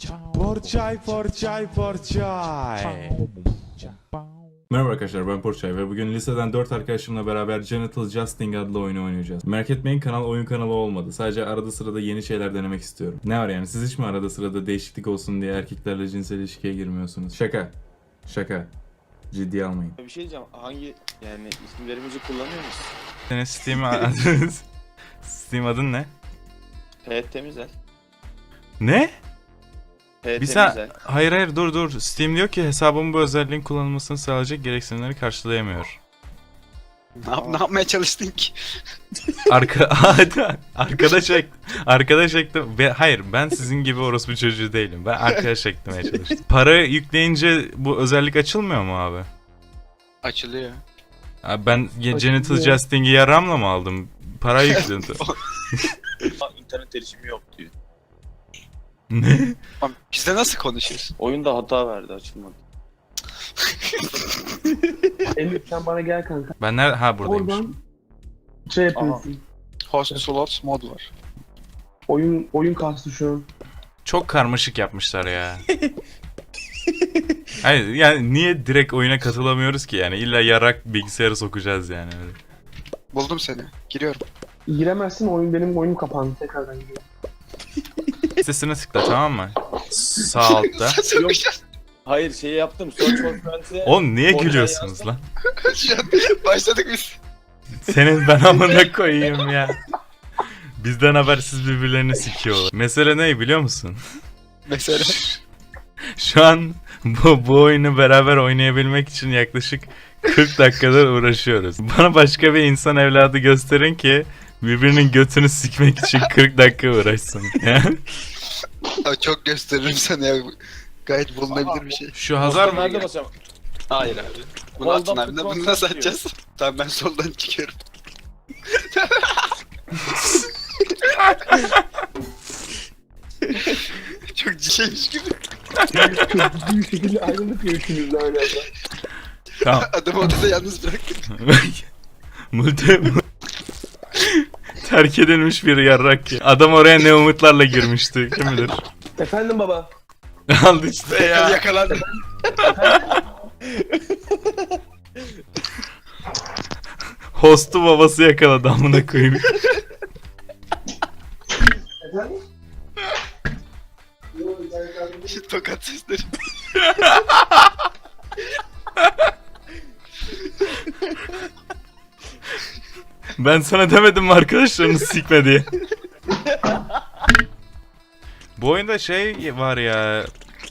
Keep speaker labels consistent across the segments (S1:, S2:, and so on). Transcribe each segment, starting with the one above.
S1: Porçay. Merhaba arkadaşlar, ben Porçay ve bugün liseden 4 arkadaşımla beraber Genital Justing adlı oyunu oynayacağız. Merak etmeyin, kanal oyun kanalı olmadı. Sadece arada sırada yeni şeyler denemek istiyorum. Ne var yani, siz hiç mi arada sırada değişiklik olsun diye erkeklerle cinsel ilişkiye girmiyorsunuz? Şaka. Şaka. Ciddiye almayın.
S2: Bir şey diyeceğim. Hangi yani isimlerimizi kullanıyor musun?
S1: Senin Steam adın... Steam adın ne?
S2: Evet Temizel.
S1: Ne?
S2: Evet
S1: Bir
S2: Temizel.
S1: hayır dur. Steam diyor ki hesabımın bu özelliğin kullanılmasını sağlayacak gereksinimleri karşılayamıyor.
S3: Ne yapmaya çalıştın ki?
S1: Arkadaş ektim. Hayır, ben sizin gibi orospu çocuğu değilim. Ben arkadaş eklemeye çalıştım. Para yükleyince bu özellik açılmıyor mu abi?
S3: Açılıyor.
S1: Abi ben Genital Justing'i yaramla mı aldım? Para yükledim.
S2: İnternet erişimi yok diyor.
S1: Ne?
S3: Abi bizde nasıl konuşuyorsun?
S2: Oyunda hata verdi, açılmadı.
S4: Elif sen bana gel kanka.
S1: Ben nerede? Ha, buradayım.
S4: Oradan şey yapıyorsun.
S3: Host slots mod var.
S4: Oyun kastı şu an.
S1: Çok karmaşık yapmışlar ya. Hayır yani niye direkt oyuna katılamıyoruz ki yani? İlla yarak bilgisayarı sokacağız yani. Öyle.
S3: Buldum seni. Giriyorum.
S4: Giremezsin, benim oyunum kapandı, tekrardan giriyorum.
S1: Sesine tıkla, tamam mı? Sağ altta.
S3: Sokacağız.
S2: Hayır, şeyi yaptım. Search for Friends'e.
S1: Oğlum niye
S2: Oraya
S1: gülüyorsunuz
S2: yazdım.
S1: lan?
S3: Şu an başladık biz.
S1: Senin ben amına koyayım ya. Bizden habersiz birbirlerini sikiyorlar. Mesele ne biliyor musun?
S3: Mesela.
S1: Şu an bu oyunu beraber oynayabilmek için yaklaşık 40 dakikadır uğraşıyoruz. Bana başka bir insan evladı gösterin ki birbirinin götünü sikmek için 40 dakika uğraşsın.
S3: Abi çok gösteririm sana ya. Gayet bulunabilir bir şey.
S1: Şu Hazar mı?
S2: Nerede basacağım?
S3: Hayır abi. Bunu
S2: Soldan
S3: atın abi.
S2: tutmak
S3: Bunu nasıl
S2: diyor.
S3: atacağız? Tamam ben soldan çıkıyorum. Çok şeymiş gibi.
S4: Çok ciddi bir şekilde ayrıldık ya üçümüz de aynı anda.
S1: Tamam.
S3: Adamı odada yalnız bıraktık.
S1: Terk edilmiş bir yarrak ya. Adam oraya ne umutlarla girmişti, kim bilir.
S4: Efendim baba.
S1: Aldı işte ya.
S3: Yakalandım.
S1: Hostu babası yakaladı, amına koyayım.
S4: Efendim?
S3: Tokat sesleri.
S1: Ben sana demedim mi arkadaşlarını sikme diye. Bu oyunda şey var ya,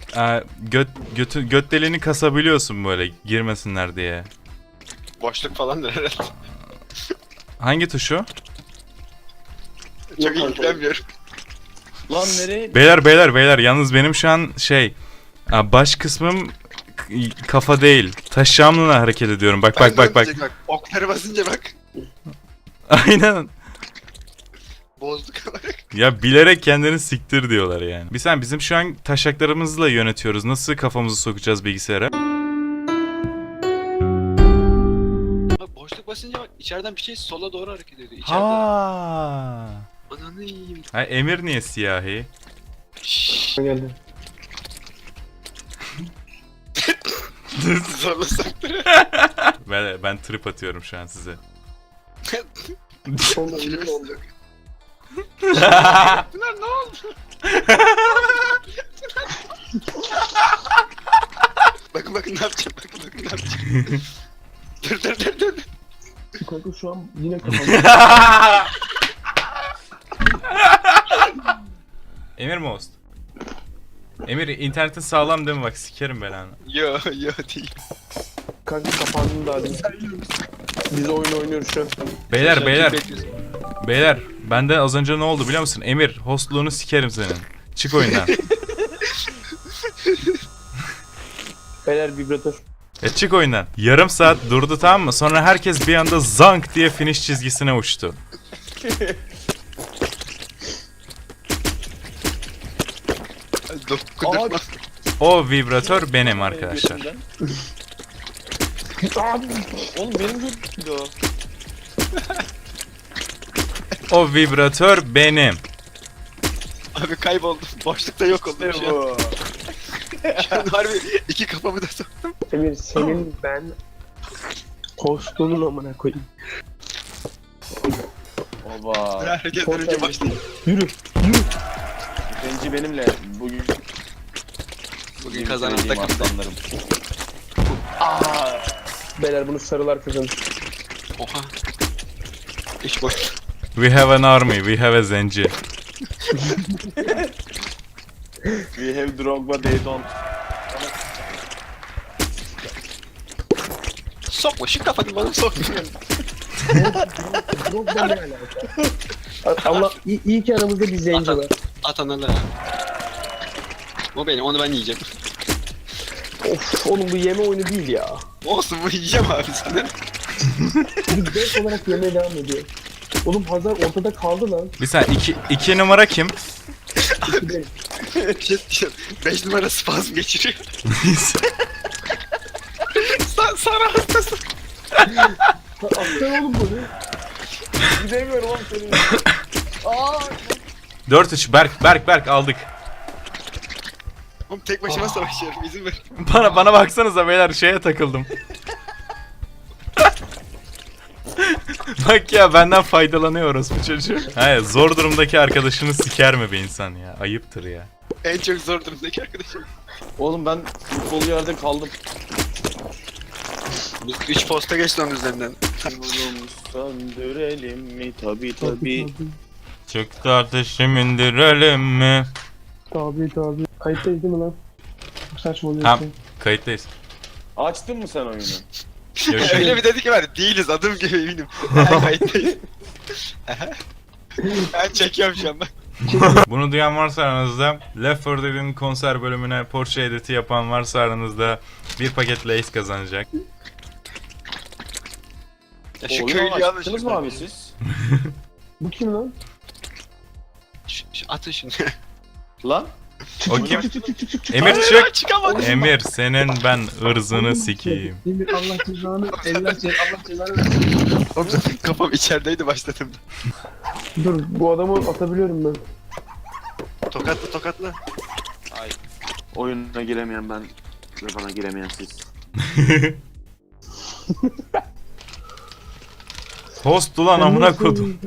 S1: göt deliğini kasabiliyorsun böyle girmesinler diye.
S3: Boşluk falandır herhalde.
S1: Hangi tuşu?
S3: Çok ilgilenmiyorum.
S2: Lan nereye?
S1: Beyler yalnız benim şu an baş kısmım kafa değil. Taşağımla hareket ediyorum. Bak.
S3: Okları basınca bak.
S1: Aynen.
S3: Bozduk olarak.
S1: Ya bilerek kendini siktir diyorlar yani. Bizim şu an taşaklarımızla yönetiyoruz. Nasıl kafamızı sokacağız bilgisayara?
S3: Bak boşluk basınca bak içeriden bir şey sola doğru hareket ediyor. İçeride.
S1: Ha.
S3: Ananı yiyeyim.
S1: Ha, Emir niye siyahi?
S4: Geldi.
S3: Zorlasak.
S1: Ben trip atıyorum şu an size.
S4: Sonunda ünlü oldu.
S3: Bunlar ne oldu? Bakın ne yapacağım. Bakın ne yapacağım. dur.
S4: Kanka şu an yine kapandı.
S1: Emir mi host? Emir internetin sağlam değil mi, bak sikerim belanı.
S3: Yo değil.
S4: Kanka kapandın daha değil. Biz oyun oynuyoruz şu an.
S1: Beyler bende az önce ne oldu biliyor musun? Emir, hostluğunu sikerim senin. Çık oyundan.
S4: Beyler vibratör.
S1: Çık oyundan. Yarım saat durdu, tamam mı? Sonra herkes bir anda zank diye finish çizgisine uçtu.
S3: Kudurtma.
S1: O vibratör benim arkadaşlar.
S2: Oğlum benim götümdü o.
S1: O vibratör benim.
S3: Abi kayboldum. Boşlukta yok oldum
S2: İşte
S3: şu an.
S2: bu.
S3: Şu an harbi iki kafamı da soktum.
S4: Emir senin ben postunun amına koyayım.
S2: Oba.
S3: Herkesten önce başladım.
S4: Yürü.
S2: Zenci benimle bugün
S3: Bugün kazanan takım.
S2: aslanlarım.
S4: Beyler bunu sarılar kazanır.
S3: Oha. İş boş.
S1: We have an army, we have a zenci.
S2: We have Drogba, they don't.
S3: Sokma şu kafanı bana sokma.
S4: Yok ben ne alaka? Allah iyi ki aramızda bir zenci var.
S3: At analı. O benim, onu ben yiyeceğim.
S4: Of oğlum bu yeme oyunu değil ya.
S3: Olsun bu yiyeceğim abi senden.
S4: Bir zevk olarak yemeye devam ediyor. Oğlum Hazar ortada kaldı lan.
S1: Bir saniye, iki numara kim?
S4: İki benim.
S3: Bir şey diyeceğim. 5 numara spazm geçiriyor. Sarı hastası.
S4: Aptal oğlum bunu.
S2: Gidemiyorum oğlum senin.
S1: 4-3, Berk aldık.
S3: Oğlum tek başıma savaşıyorum, izin ver.
S1: Bana baksanıza beyler, şeye takıldım. Bak ya, benden faydalanıyoruz bu çocuğu. Hayır, zor durumdaki arkadaşını siker mi be insan ya? Ayıptır ya.
S3: En çok zor durumdaki arkadaşım.
S2: Oğlum ben futbol yerde kaldım.
S3: Biz 3 posta geçti onun üzerinden.
S2: Oğlum söndürelim mi? Tabii.
S1: Çık kardeşim, indirelim mi?
S4: Tabii. Kayıttayız değil mi lan? Çok saçmalıyorsun.
S1: Tamam, kayıttayız.
S2: Açtın mı sen oyunu?
S3: Öyle bir dedi ki var, değiliz adım gibi eminim. Kayıttayız. Ben çekiyorum şu an bak.
S1: Bunu duyan varsa aranızda, Left 4 Dead'in konser bölümüne Porsche editi yapan varsa aranızda bir paket Lay's kazanacak.
S3: Ya şu
S2: Oyunu
S3: köylüyü alın
S2: açtınız mı abi siz?
S4: Bu kim lan?
S3: Şu atın şunu.
S2: Lan?
S1: O kim?
S4: Çık.
S1: Emir çık.
S3: Çıkamadım.
S1: Emir, senin ben ırzını sikeyim.
S4: Emir Allah cezanı Allah cezanı versin.
S3: Oğlum zaten kafam içerideydi başladım.
S4: Dur bu adamı atabiliyorum ben.
S3: Tokatla.
S2: Ay. Oyuna giremeyen ben ve bana giremeyen siz.
S1: Host ulan amına kodum.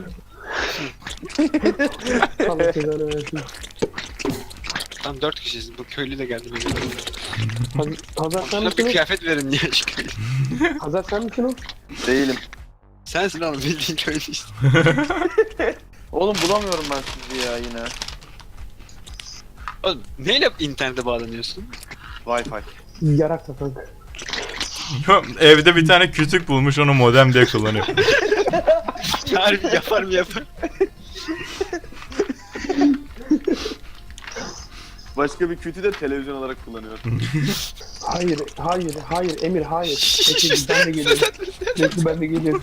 S4: Allah cezanı versin.
S3: Tam 4 kişiyiz, bu köylü de geldi.
S4: Hazar sen
S3: Şuna bir
S4: misin o?
S3: kıyafet verin ya şu köylü.
S4: Hazar sen misin o?
S2: Değilim.
S3: Sensin oğlum, bildiğin köylü işte.
S2: Oğlum bulamıyorum ben sizi ya yine.
S3: Oğlum neyle internete bağlanıyorsun?
S2: Wi-Fi.
S4: Yarak da kanka.
S1: Evde bir tane kütük bulmuş, onu modem diye kullanıyor.
S3: Harbi yapar mı yapar?
S2: Başka bir kötü de televizyon olarak kullanıyor.
S4: Hayır Emir hayır. Bekle ben de geliyorum. Bekle ben de geliyorum.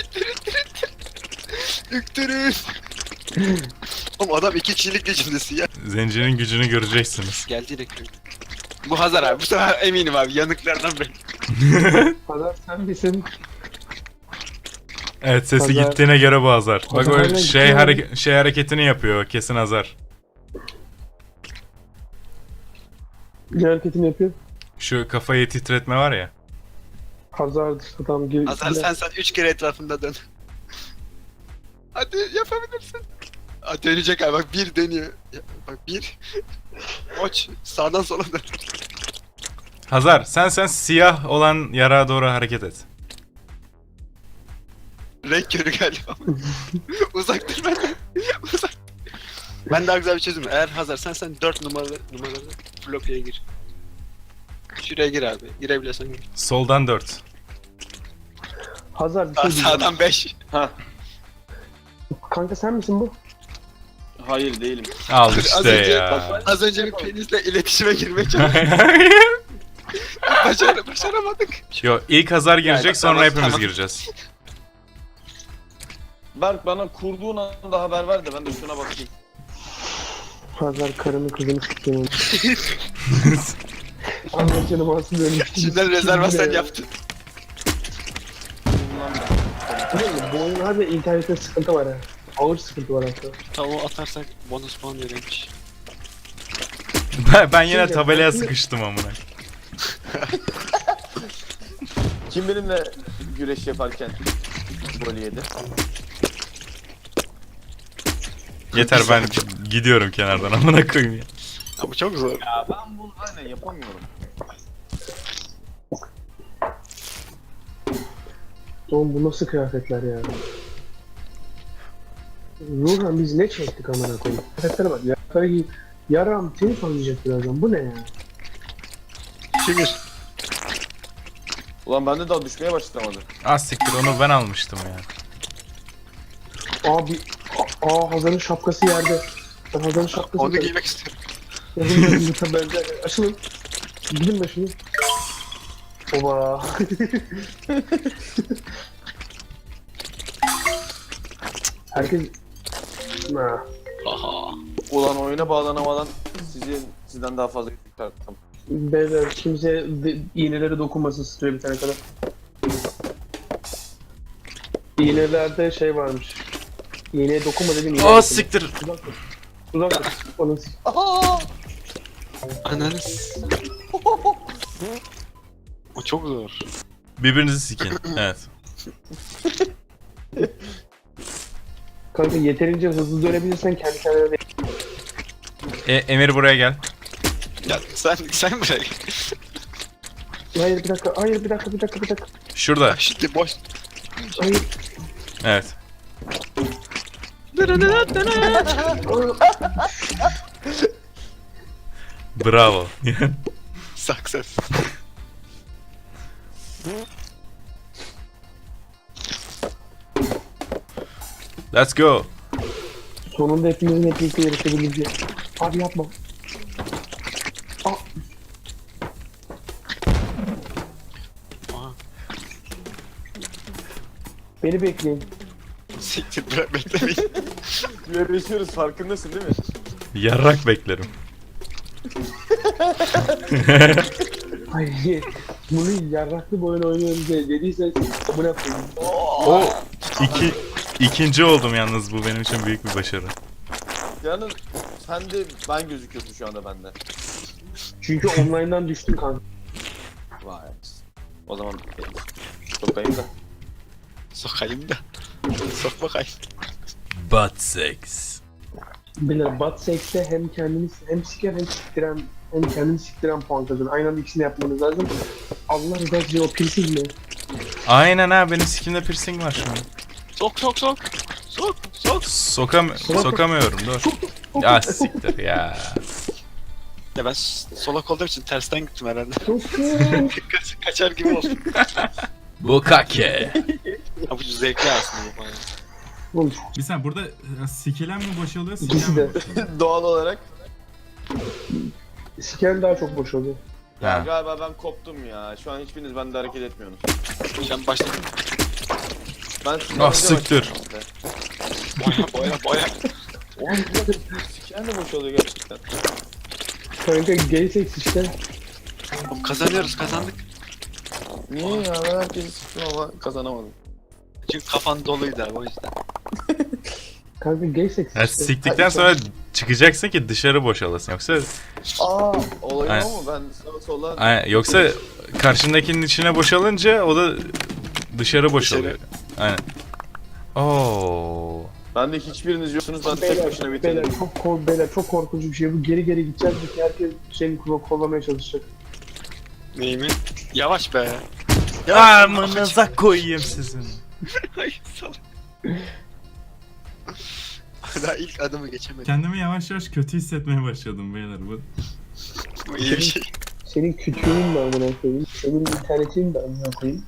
S3: Üktürün. Oğlum adam 2 kişilik gücündesin ya.
S1: Zencinin gücünü göreceksiniz.
S3: Geldi yine köylü. Bu Hazar abi, bu sefer eminim abi, yanıklardan beri.
S4: Hazar sen misin?
S1: Evet, sesi
S4: Hazar.
S1: gittiğine göre bu Hazar. Bak
S4: Hazar
S1: o
S4: hala
S1: şey,
S4: gitti
S1: şey hareketini yapıyor, kesin Hazar.
S4: Bir hareketini yapıyor.
S1: Şu kafayı titretme var ya.
S4: Hazardır adam gir.
S3: Hazar sen 3 kere etrafında dön. Hadi yapabilirsin. Aa, dönecek abi, bak bir dönüyor. Ya, bak bir. Koç sağdan sola dön.
S1: Hazar, sen siyah olan yara doğru hareket et.
S3: Renk körü galiba. Uzak dur benden. Uzak. Ben daha güzel bir çözüm. Eğer Hazar sen 4 numaralı bloklaya gir. Şuraya gir abi. Girebiliyorsan gir.
S1: Soldan 4.
S4: Hazar bir şey diyeceğim.
S3: Sağdan 5.
S2: Ha.
S4: Kanka sen misin bu?
S2: Hayır değilim.
S1: Al
S3: Az
S1: işte
S3: önce-
S1: ya.
S3: Az önce bir penisle iletişime girmeye başaramadık.
S1: Yo, ilk Hazar girecek,
S3: Yani,
S1: sonra
S3: tamam,
S1: hepimiz
S3: tamam.
S1: gireceğiz.
S2: Berk bana kurduğun anda haber ver de ben de şuna bakayım.
S4: Hazar karını kızını sikeyim. Allah canım alsın böyle.
S3: Şimdiden rezervasyon yaptın.
S2: Bundan ben.
S4: Bu oyun harbi internette sıkıntı var ha. ağır sıkıntı var hatta.
S3: Tavuğu atarsak bonus puan verilmiş.
S1: Ben yine
S4: Şimdi-
S1: tabelaya
S4: şimdi-
S1: sıkıştım amına.
S2: Kim benimle güreş yaparken gol yedi?
S1: Yeter ben gidiyorum kenardan amına koyayım ya.
S3: Ya bu çok zor.
S2: Ya ben bunu aynen yapamıyorum.
S4: Oğlum bu nasıl kıyafetler ya? Nurhan biz ne çektik amına koyayım? Kıyafetlere bak ya. Yaram seni tanıyacak birazdan. Bu ne ya?
S3: Şükür.
S2: Ulan bende daha düşmeye başlamadı.
S1: Az siktir onu ben almıştım ya.
S4: Abi Hazar'ın şapkası yerde. Ben Hazar'ın şapkası
S3: Onu giymek istiyorum.
S4: Bence açılın. Gidin başını. Oba. Herkes... Ha.
S3: Aha.
S2: Ulan oyuna bağlanamadan sizden daha fazla çıkarttım.
S4: Beyler kimse iğnelere dokunmasın süre bitene kadar. İğnelerde şey varmış. İğneye dokunma dedim. iğneye
S1: O
S4: dokunma.
S1: siktir.
S4: Uzak dur. Uzak dur. Onun
S3: Ananız. O çok zor.
S1: Birbirinizi sikin. Evet.
S4: kanka yeterince hızlı dönebilirsen kendi kendine de...
S1: Emir buraya gel.
S3: Ya sen bırak.
S4: Hayır bir dakika, hayır bir dakika.
S1: Şurada.
S3: Şimdi boş.
S4: Hayır.
S1: Evet. Bravo.
S3: Success.
S1: Let's go.
S4: Sonunda hepimizin hep birlikte yarışabileceği. Abi yapma. Aa,
S3: Aha.
S4: beni bekleyin.
S3: Siktir bırak beklemeyin.
S2: Yarışıyoruz farkındasın değil mi?
S1: Yarrak beklerim.
S4: Hayır. Bunu yarraklı bir oyun oynuyoruz diye dediyseniz amına koyayım.
S1: O ikinci oldum yalnız, bu benim için büyük bir başarı.
S2: Yalnız sen de ben gözüküyorsun şu anda bende.
S4: Çünkü online'dan düştüm kanka.
S2: Vay. O zaman sokayım da.
S3: Sokayım da. Sok bakayım.
S1: Butt sex.
S4: Beyler Bad Sex'te hem kendini hem siker hem siktiren hem kendini siktiren puan kazan. Aynı anda ikisini yapmanız lazım. Allah rızası için o piercing mi?
S1: Aynen ha, benim sikimde piercing var şu an.
S3: Sok.
S1: Sokamıyorum, dur. Ya siktir ya.
S3: Ya ben solak olduğum için tersten gittim herhalde.
S4: Çok
S3: Kaçar gibi oldu.
S1: Bukake.
S3: Ha bu zevkli aslında bu bayağı.
S4: Oğlum
S1: Bir saniye, burada sikilen mi boşalıyor,
S4: İkisi de.
S2: Doğal olarak.
S4: siken daha çok boş oluyor.
S2: Ya
S1: Ha.
S2: galiba ben koptum ya. Şu an hiçbiriniz bende hareket etmiyorsunuz.
S3: Sen başladın.
S2: Ben sizden
S1: Ah,
S2: önce
S1: siktir.
S2: başladım işte.
S3: Boya.
S2: Oğlum siken de boşalıyor gerçekten.
S4: Kanka gay sex işte.
S3: Oğlum kazandık.
S2: Niye ya? Ben herkesi siktim ama kazanamadım.
S3: Çünkü kafan doluydu abi o yüzden.
S4: Kanka gay sex
S1: Ya
S4: işte.
S1: siktikten sonra çıkacaksın ki dışarı boşalasın, yoksa
S2: Olayım
S1: Aynen.
S2: ama ben sağa sola...
S1: aynen, yoksa karşındakinin içine boşalınca o da dışarı boşalıyor. Aynen. Oo.
S2: Ben de hiçbiriniz yoksunuz. Ben tek başına bitirdim.
S4: Beyler çok korkunç bir şey bu. Geri gideceğiz ki herkes seni kollamaya çalışacak.
S3: Neyi mi? Yavaş be.
S1: Amınıza koyayım sizin.
S3: Ay salak. Daha ilk adımı geçemedim.
S1: Kendimi yavaş yavaş kötü hissetmeye başladım beyler.
S3: Bu iyi bir şey.
S4: Senin kütüğün de amına koyayım. Senin internetin de amına koyayım.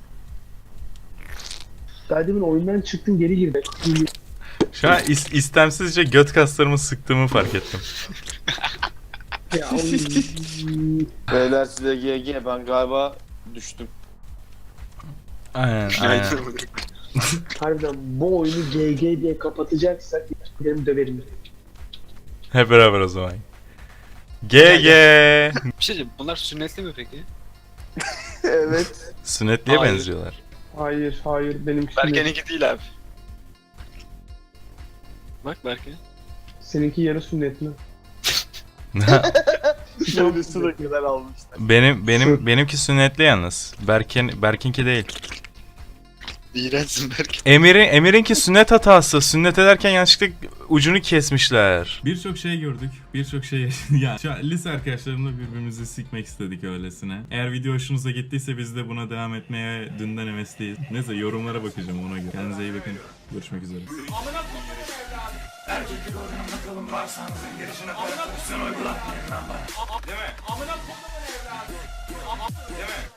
S4: Daha demin oyundan çıktın geri girdin.
S1: Şu an istemsizce göt kaslarımı sıktığımı fark ettim.
S4: Ya oğlum.
S2: Beyler size GG, ben galiba düştüm.
S1: Aynen aynen.
S4: Harbiden bu oyunu GG diye kapatacaksak benim döverim.
S1: Hep beraber o zaman. GG.
S3: Bir şey diyeyim, bunlar sünnetli mi peki?
S2: Evet.
S1: Sünnetliye
S3: Hayır.
S1: benziyorlar.
S4: Hayır benim
S3: Bergen'inki değil abi. Bak Berke.
S4: Seninki yarı sünnet mi?
S2: Şöylesine kadar almışlar.
S1: Benimki sünnetli yalnız. Berkinki değil.
S3: İğrençsin Berke.
S1: Emir'inki sünnet hatası. Sünnet ederken yanlışlıkla ucunu kesmişler. Birçok şey gördük. Birçok şey yani şu an lise arkadaşlarımla birbirimizi sikmek istedik öylesine. Eğer video hoşunuza gittiyse biz de buna devam etmeye dünden hevesliyiz. Neyse yorumlara bakacağım ona göre. Kendinize iyi bakın. Görüşmek üzere.
S5: Erkeklik oyununda kalın varsanızın girişine koyun uygula. Değil mi? Amına kodumun evladı. Değil mi?